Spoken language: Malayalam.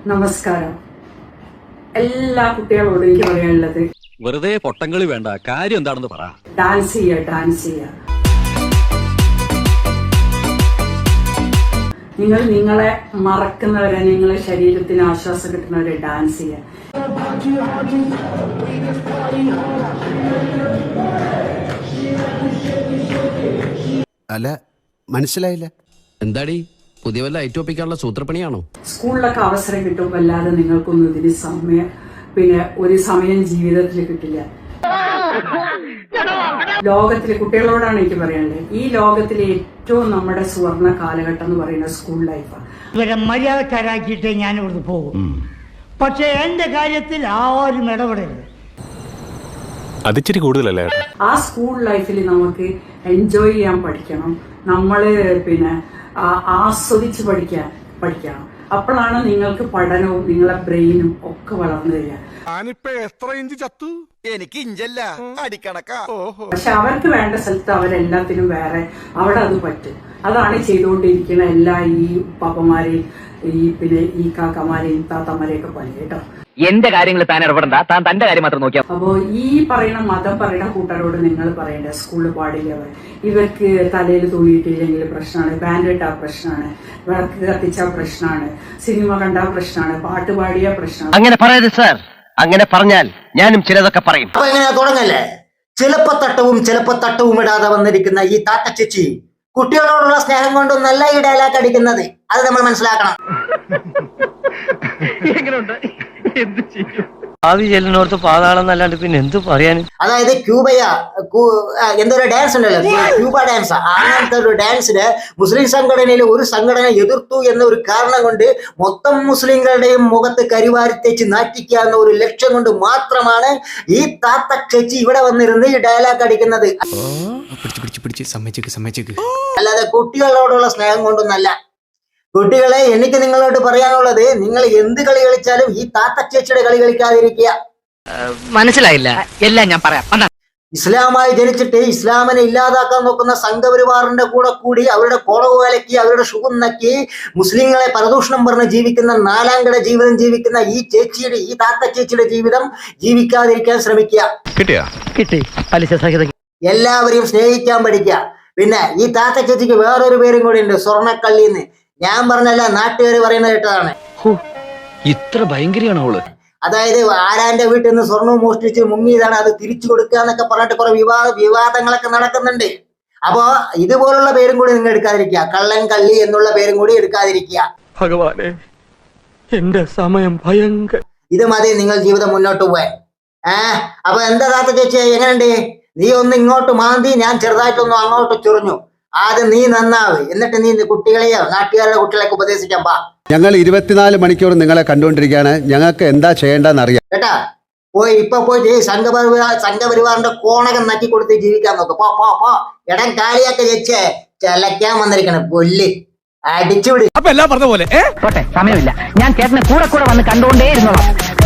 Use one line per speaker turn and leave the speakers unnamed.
നമസ്കാരം. എല്ലാ കുട്ടികളോടും എനിക്ക് പറയാനുള്ളത്,
വെറുതെ പൊട്ടങ്ങളി വേണ്ട, കാര്യം എന്താണെന്ന് പറ.
ഡാൻസ് ചെയ്യുക. നിങ്ങൾ നിങ്ങളെ മറക്കുന്നവരെ, നിങ്ങളെ ശരീരത്തിന് ആശ്വാസം കിട്ടുന്നവരെ ഡാൻസ് ചെയ്യുക.
അല്ല, മനസ്സിലായില്ല.
എന്താടി പുതിയ വല്ല ഐറ്റോപ്പിക്കാനുള്ള സൂത്രപ്പണിയാണോ?
സ്കൂളിലൊക്കെ അവസരം കിട്ടുമ്പോൾ അല്ലാതെ നിങ്ങൾക്കൊന്നും ഇതിന് ഒരു സമയം ജീവിതത്തിൽ കിട്ടില്ല. ലോകത്തിലെ കുട്ടികളോടാണ് എനിക്ക് പറയാനുള്ളത്, ഈ ലോകത്തിലെ ഏറ്റവും നമ്മുടെ സുവർണ കാലഘട്ടം എന്ന് പറയുന്നത് സ്കൂൾ ലൈഫാണ്.
ഇവരെ മര്യാദക്കാരാക്കിയിട്ടേ ഞാൻ ഇവിടുന്ന് പോകും. പക്ഷെ എന്റെ കാര്യത്തിൽ ആരും ഇടപെടരുത്.
അതിച്ചിരി കൂടുതലല്ലേ?
ആ സ്കൂൾ ലൈഫിൽ നമുക്ക് എൻജോയ് ചെയ്യാൻ പഠിക്കണം. നമ്മള് ആസ്വദിച്ച് പഠിക്കണം. അപ്പോഴാണ് നിങ്ങൾക്ക് പഠനവും നിങ്ങളെ ബ്രെയിനും ഒക്കെ വളർന്നു തരിക.
എത്ര ഇഞ്ച് ചത്തു? എനിക്ക് ഇഞ്ചല്ല, അടിക്കണക്കാ.
പക്ഷെ അവർക്ക് വേണ്ട സ്ഥലത്ത് അവരെല്ലാത്തിനും വേറെ അവിടെ അത് പറ്റും. അതാണ് ചെയ്തുകൊണ്ടിരിക്കുന്ന എല്ലാ ഈ പാപ്പന്മാരെയും ഈ കാക്കമാരെയും താത്തമാരെയൊക്കെ പോലെ കേട്ടോ.
എന്റെ കാര്യങ്ങൾ താൻ ഇടപെടണ്ട, താൻ തന്റെ കാര്യം മാത്രം നോക്കിയാ.
അപ്പോ ഈ മതം പറയുന്ന കൂട്ടരോട് നിങ്ങൾ പറയേണ്ട, സ്കൂളിൽ പാടില്ല. ഇവർക്ക് തലയിൽ തുണിയിട്ടില്ലെങ്കിൽ പ്രശ്നമാണ്, ബാൻഡ് ഇട്ടാ പ്രശ്നമാണ്, വിളക്ക് കത്തിച്ചാ പ്രശ്നമാണ്, സിനിമ കണ്ടാ പ്രശ്നമാണ്, പാട്ട് പാടിയ പ്രശ്നമാണ്.
അങ്ങനെ പറയരുത് സാർ. അങ്ങനെ പറഞ്ഞാൽ ഞാനും ചിലതൊക്കെ പറയും.
അപ്പൊ എങ്ങനെയാ തുടങ്ങല്ലേ? ചിലപ്പോ തട്ടവും ഇടാതെ വന്നിരിക്കുന്ന ഈ താത്ത ചേച്ചി കുട്ടികളോടുള്ള സ്നേഹം കൊണ്ടൊന്നല്ല ഈ ഡയലോഗ് അടിക്കുന്നത്. അത് നമ്മൾ മനസ്സിലാക്കണം.
ഭാവി ചെല്ലിനോർത്ത് പാതാളം എന്നല്ലാണ്ട് പിന്നെ എന്ത് പറയാനും.
അതായത് എന്തൊരു ഡാൻസ് ഉണ്ടല്ലോ, ക്യൂബ ഡാൻസ്. അങ്ങനത്തെ ഒരു ഡാൻസിന് മുസ്ലിം സംഘടനയിൽ ഒരു സംഘടന എതിർത്തു എന്ന ഒരു കാരണം കൊണ്ട് മൊത്തം മുസ്ലിങ്ങളുടെയും മുഖത്ത് കരിവാരിത്തേച്ച് നാറ്റിക്കുക എന്ന ഒരു ലക്ഷ്യം കൊണ്ട് മാത്രമാണ് ഈ താത്ത ചേച്ചി ഇവിടെ വന്നിരുന്ന് ഈ ഡയലോഗ് അടിക്കുന്നത്. അല്ലാതെ കുട്ടികളോടുള്ള സ്നേഹം കൊണ്ടൊന്നല്ല. കുട്ടികളെ, എനിക്ക് നിങ്ങളോട് പറയാനുള്ളത്, നിങ്ങൾ എന്ത് കളി കളിച്ചാലും ഈ താത്ത ചേച്ചിയുടെ കളി കളിക്കാതിരിക്കുക.
മനസ്സിലായില്ല, എല്ലാം ഞാൻ പറയാം.
ഇസ്ലാമായി ജനിച്ചിട്ട് ഇസ്ലാമിനെ ഇല്ലാതാക്കാൻ നോക്കുന്ന സംഘപരിവാറിന്റെ കൂടെ കൂടി അവരുടെ കോളവ് വിലക്കി, അവരുടെ ഷുഗം നക്കി, മുസ്ലിങ്ങളെ പരദൂഷണം പറഞ്ഞ് ജീവിക്കുന്ന, നാലാംകട ജീവിതം ജീവിക്കുന്ന ഈ താത്ത ചേച്ചിയുടെ ജീവിതം ജീവിക്കാതിരിക്കാൻ ശ്രമിക്കുക.
കിട്ടി പലിശ സഹിതം.
എല്ലാവരെയും സ്നേഹിക്കാൻ പഠിക്കുക. പിന്നെ ഈ താത്ത ചേച്ചിക്ക് വേറൊരു പേരും കൂടി ഉണ്ട്, സ്വർണ്ണക്കള്ളിന്ന്. ഞാൻ പറഞ്ഞല്ല, നാട്ടുകാർ പറയുന്നത് കേട്ടതാണ്.
ഇത്ര ഭയങ്കരയാണോ അവള്?
അതായത് ആരാന്റെ വീട്ടിൽ നിന്ന് സ്വർണ്ണവും മോഷ്ടിച്ച് മുങ്ങിയതാണ്, അത് തിരിച്ചു കൊടുക്കുക എന്നൊക്കെ പറഞ്ഞിട്ട് കുറെ വിവാദങ്ങളൊക്കെ നടക്കുന്നുണ്ട്. അപ്പോ ഇതുപോലുള്ള പേരും കൂടി നിങ്ങൾ എടുക്കാതിരിക്കുക. കള്ളൻ കള്ളി എന്നുള്ള പേരും കൂടി എടുക്കാതിരിക്കുക.
ഭഗവാനെ, എന്റെ സമയം ഭയങ്കര.
ഇത് മതി നിങ്ങൾ ജീവിതം മുന്നോട്ട് പോവാൻ. അപ്പൊ എന്താ താത്ത ചേച്ചി, എങ്ങനെയുണ്ട്? നീ ഒന്ന് ഇങ്ങോട്ട് മാന്തി, ഞാൻ ചെറുതായിട്ടൊന്നും അങ്ങോട്ട് ചൊറിഞ്ഞു. ആദ്യം നീ നന്നാവ്, എന്നിട്ട് നീ കുട്ടികളെയോ നാട്ടുകാരുടെ കുട്ടികളെയൊക്കെ ഉപദേശിക്കാൻ പാ.
ഞങ്ങൾ 24 മണിക്കൂർ നിങ്ങളെ കണ്ടുകൊണ്ടിരിക്കുകയാണ്. ഞങ്ങൾക്ക് എന്താ ചെയ്യേണ്ടെന്ന് അറിയാം കേട്ടാ.
ഇപ്പൊ പോയിട്ട് സംഘപരിവാറിന്റെ കോണകം നക്കി കൊടുത്ത് ജീവിക്കാൻ നോക്ക്. പോ ഇടം കാലിയൊക്കെ വെച്ച് ചെലക്കാൻ വന്നിരിക്കണം. കൊല്ലി അടിച്ചുവിട്.
അപ്പൊ എല്ലാം പറഞ്ഞ പോലെ സമയമില്ല. ഞാൻ ചേട്ടനെ കൂടെ വന്ന് കണ്ടുകൊണ്ടേ ഇരുന്നോളാം.